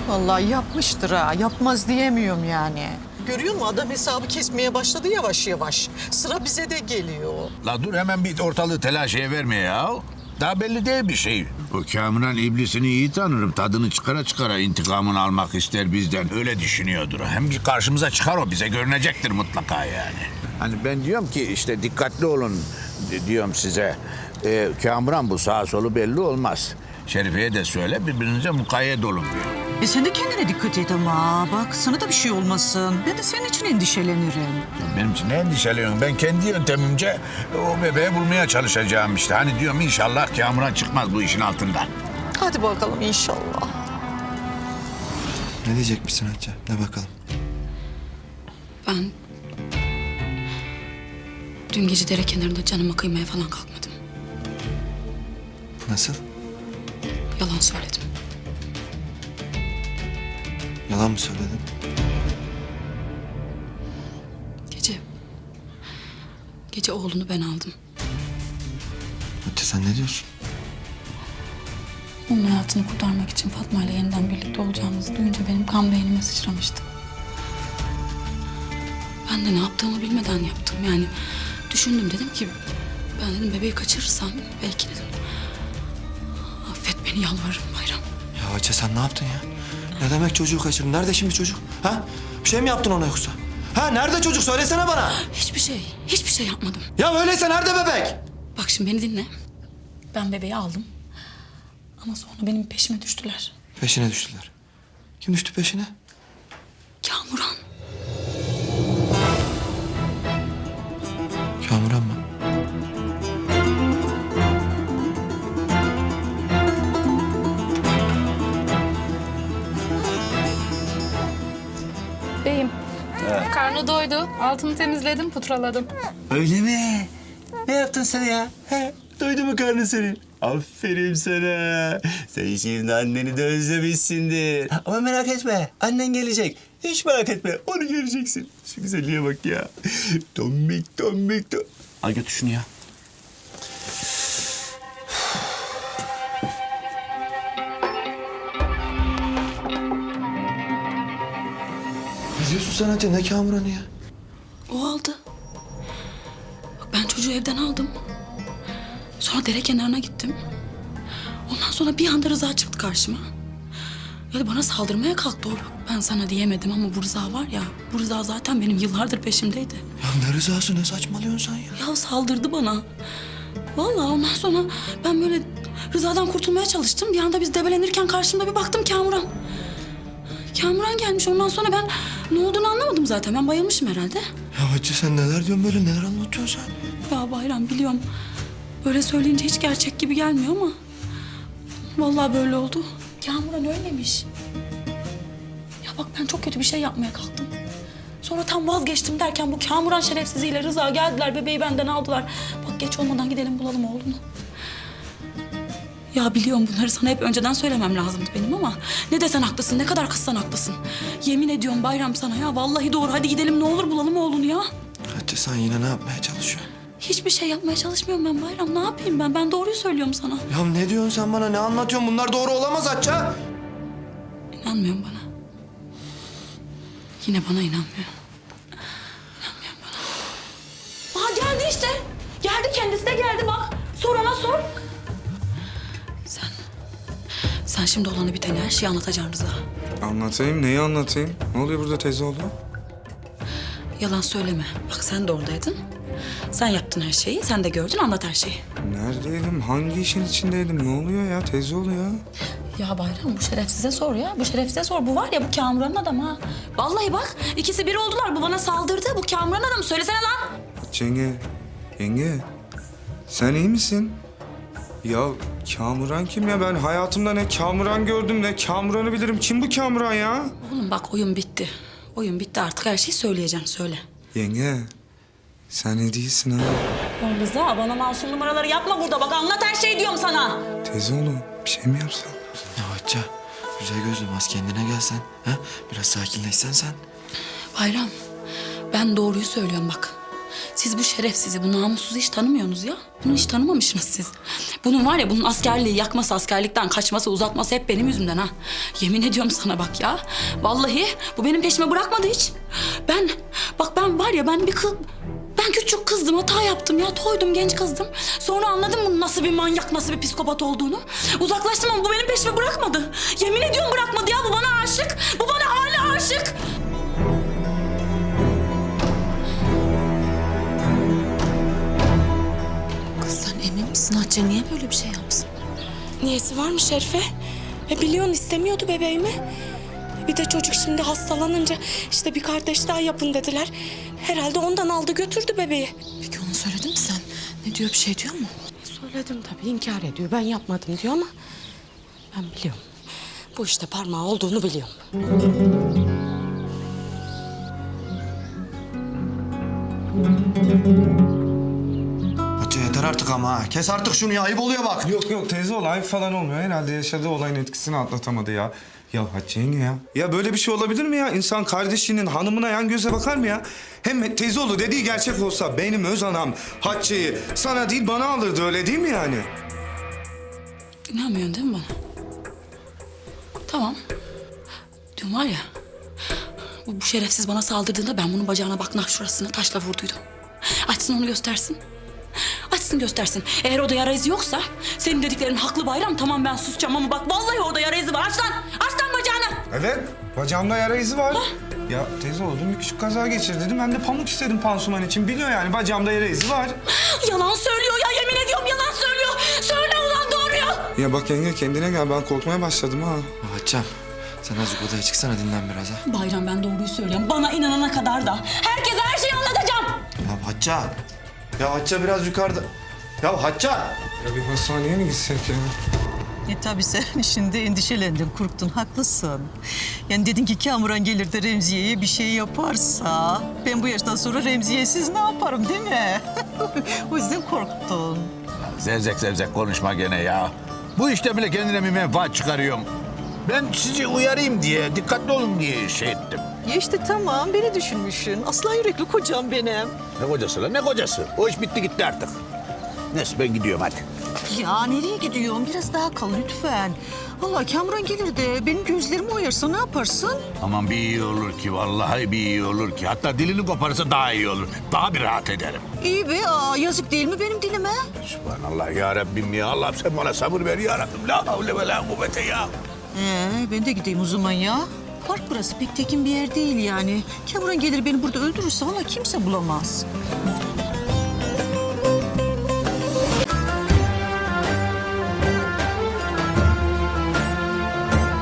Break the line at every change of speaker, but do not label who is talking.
Vallahi yapmıştır ha. Yapmaz diyemiyorum yani. Görüyor musun? Adam hesabı kesmeye başladı yavaş yavaş. Sıra bize de geliyor.
La dur hemen bir ortalığı telaşeye verme ya. Daha belli değil bir şey. O Kamuran iblisini iyi tanırım. Tadını çıkara çıkara intikamını almak ister bizden. Öyle düşünüyordur. Hem ki karşımıza çıkar o. Bize görünecektir mutlaka yani. Hani ben diyorum ki işte dikkatli olun diyorum size. Kamuran bu sağ solu belli olmaz. Şerife'ye de söyle birbirinize mukayyet olun diyor.
Sen de kendine dikkat et ama. Bak sana da bir şey olmasın. Ben de senin için endişelenirim.
Benim için ne endişeliyorsun? Ben kendi yöntemimce o bebeği bulmaya çalışacağım işte. Hani diyorum inşallah Kamuran çıkmaz bu işin altından.
Hadi bakalım inşallah.
Ne diyecekmişsin Hatice? Ne bakalım.
Ben dün gece dere kenarında canıma kıymaya falan kalkmadım.
Nasıl?
Yalan söyledim.
Yalan mı söyledin?
Gece oğlunu ben aldım.
Hatice sen ne diyorsun?
Onun hayatını kurtarmak için Fatma ile yeniden birlikte olacağımızı duyunca benim kan beynime sıçramıştı. Ben de ne yaptığımı bilmeden yaptım. Yani düşündüm, dedim ki ben dedim bebeği kaçırırsam belki dedim. Affet beni, yalvarırım Bayram.
Ya Hatice sen ne yaptın ya? Ne demek çocuğu kaçırdın? Nerede şimdi çocuk? Ha? Bir şey mi yaptın ona yoksa? Ha nerede çocuk? Söylesene bana.
Hiçbir şey yapmadım.
Ya öyleyse nerede bebek?
Bak şimdi beni dinle. Ben bebeği aldım. Ama sonra benim peşime düştüler.
Peşine düştüler. Kim düştü peşine?
Kamuran.
Kamuran mı?
Beyim. Karnı doydu. Altını temizledim, putraladım.
Öyle mi? Ne yaptın sen ya? He? Doydu mu karnın senin? Aferin sana. Sen şimdi anneni de özlemişsindir. Ama merak etme. Annen gelecek. Hiç merak etme. Onu göreceksin. Şu güzelliğe bak ya. Tombik tombik tombik. Al götür şunu ya.
Ne diyorsun sen Hatice? Ne Kamuran'ı ya?
O aldı. Bak ben çocuğu evden aldım. Sonra dere kenarına gittim. Ondan sonra bir anda Rıza çıktı karşıma. Ya bana saldırmaya kalktı o. Bak ben sana diyemedim ama bu Rıza var ya... Bu Rıza zaten benim yıllardır peşimdeydi.
Ya ne rızası, ne saçmalıyorsun sen ya?
Ya saldırdı bana. Vallahi ondan sonra ben böyle Rıza'dan kurtulmaya çalıştım. Bir anda biz debelenirken karşımda bir baktım Kamuran. Kamuran gelmiş. Ondan sonra ben ne olduğunu anlamadım zaten. Ben bayılmışım herhalde.
Ya Hatice sen neler diyorsun böyle? Neler anlatıyorsun sen?
Ya Bayram biliyorum. Böyle söyleyince hiç gerçek gibi gelmiyor ama... Vallahi böyle oldu. Kamuran ölmemiş. Ya bak ben çok kötü bir şey yapmaya kalktım. Sonra tam vazgeçtim derken bu Kamuran şerefsiziyle Rıza geldiler. Bebeği benden aldılar. Bak geç olmadan gidelim bulalım oğlunu. Ya biliyorum bunları sana hep önceden söylemem lazımdı benim ama... Ne desen haklısın, ne kadar kızsan haklısın. Yemin ediyorum Bayram sana ya. Vallahi doğru. Hadi gidelim ne olur bulalım oğlunu ya.
Hatice sen yine ne yapmaya çalışıyorsun?
Hiçbir şey yapmaya çalışmıyorum ben Bayram. Ne yapayım ben? Ben doğruyu söylüyorum sana.
Ya ne diyorsun sen bana? Ne anlatıyorsun? Bunlar doğru olamaz Hatice.
İnanmıyorum bana. Yine bana inanmıyor. İnanmıyorum bana. Aha geldi işte. Geldi, kendisi de geldi bak. Sor ona sor. Sen şimdi olanı biteni her şeyi anlatacaksın Rıza.
Anlatayım, neyi anlatayım? Ne oluyor burada teyze oğlu?
Yalan söyleme. Bak sen de oradaydın. Sen yaptın her şeyi. Sen de gördün, anlat her şeyi.
Neredeydim? Hangi işin içindeydim? Ne oluyor ya teyze oğlu ya?
Ya Bayram bu şerefsize sor ya. Bu şerefsize sor. Bu var ya bu Kamuran'ın adamı ha. Vallahi bak ikisi bir oldular. Bu bana saldırdı. Bu Kamuran'ın adamı. Söylesene lan.
Yenge, sen iyi misin? Ya Kamuran kim ya? Ben hayatımda ne Kamuran gördüm ne Kamuran'ı bilirim. Kim bu Kamuran ya?
Oğlum bak oyun bitti. Oyun bitti artık her şeyi söyleyeceksin söyle.
Yenge, sen ne değilsin ha?
Ya Rıza bana masum numaraları yapma burada. Bak anlat her şeyi diyorum sana.
Teyze oğlu bir şey mi yapsam?
Ya Hatice, güzel gözlüm az kendine gelsen. Ha? Biraz sakinleşsen sen.
Bayram ben doğruyu söylüyorum bak. Siz bu şerefsizi, bu namussuzu hiç tanımıyorsunuz ya. Bunu hiç tanımamışsınız siz. Bunun var ya, bunun askerliği yakması, askerlikten kaçması, uzatması hep benim yüzümden ha. Yemin ediyorum sana bak ya. Vallahi bu benim peşime bırakmadı hiç. Ben var ya, ben küçük kızdım, hata yaptım ya. Toydum, genç kızdım. Sonra anladım bunun nasıl bir manyak, nasıl bir psikopat olduğunu. Uzaklaştım ama bu benim peşime bırakmadı. Yemin ediyorum bırakmadı ya. Bu bana aşık. Bu bana hala aşık.
Kız sen emin misin Hatice? Niye böyle bir şey yapsın?
Niyesi var mı Şerife? Biliyorsun istemiyordu bebeğimi. Bir de çocuk şimdi hastalanınca işte bir kardeş daha yapın dediler. Herhalde ondan aldı götürdü bebeği.
Peki ona söyledin mi sen? Ne diyor, bir şey diyor mu?
Söyledim tabii, inkar ediyor. Ben yapmadım diyor ama ben biliyorum. Bu işte parmağı olduğunu biliyorum.
Hatice yeter artık ama ha. Kes artık şunu ya, ayıp oluyor bak.
Yok teyze olay falan olmuyor. Herhalde yaşadığı olayın etkisini atlatamadı ya. Ya Hatice yenge ya. Ya böyle bir şey olabilir mi ya? İnsan kardeşinin hanımına yan göze bakar mı ya? Hem teyze oğlu dediği gerçek olsa benim öz anam Hatice'yi sana değil bana alırdı, öyle değil mi yani?
İnanmıyorsun değil mi bana? Tamam. Dün var ya, bu şerefsiz bana saldırdığında ben bunun bacağına bak, nah şurasına taşla vurduydum. Açsın onu göstersin. Açsın göstersin. Eğer orada yara izi yoksa senin dediklerin haklı Bayram. Tamam ben susacağım ama bak vallahi orada yara izi var. Aç lan! Aç lan bacağını!
Evet. Bacağımda yara izi var. Ya teyze oğlu dün bir küçük kaza geçirdim. Ben de pamuk istedim pansuman için. Biliyor yani bacağımda yara izi var.
Yalan söylüyor ya, yemin ediyorum yalan söylüyor. Söyle ulan doğruyu.
Ya bak yenge kendine gel, ben korkmaya başladım ha.
Hatice'm sen azıcık odaya çıksana, dinlen biraz ha.
Bayram ben doğruyu söylüyorum. Bana inanana kadar da herkese her şeyi anlatacağım.
Ya Hatice. Ya Hatice biraz yukarıda. Ya Hatice.
Ya bir hastaneye mi gitsek ya?
Tabii sen şimdi endişelendin, korktun, haklısın. Yani dedin ki Kamuran gelir de Remziye'ye bir şey yaparsa... ...ben bu yaştan sonra Remziye'siz ne yaparım değil mi? O yüzden korktun.
Zevzek konuşma gene ya. Bu işte bile kendine bir menfaat çıkarıyorum. Ben sizi uyarayım diye, dikkatli olun diye şey ettim.
Ya işte tamam, beni düşünmüşsün. Aslan yürekli kocam benim.
Ne kocası lan, ne kocası? O iş bitti gitti artık. Neyse ben gidiyorum hadi.
Ya nereye gidiyorsun? Biraz daha kal lütfen. Vallahi Kamuran gelir de benim gözlerimi oyarsa ne yaparsın?
Aman bir iyi olur ki, vallahi bir iyi olur ki. Hatta dilini koparsa daha iyi olur. Daha bir rahat ederim.
İyi be, yazık değil mi benim dilime?
Subhanallah ya Rabbim ya. Allah'ım sen bana sabır ver ya Rabbim. La havle ve la kuvvete ya.
Ben de gideyim o zaman ya. Park burası, pek tekin bir yer değil yani. Kamuran gelir beni burada öldürürse vallahi kimse bulamaz.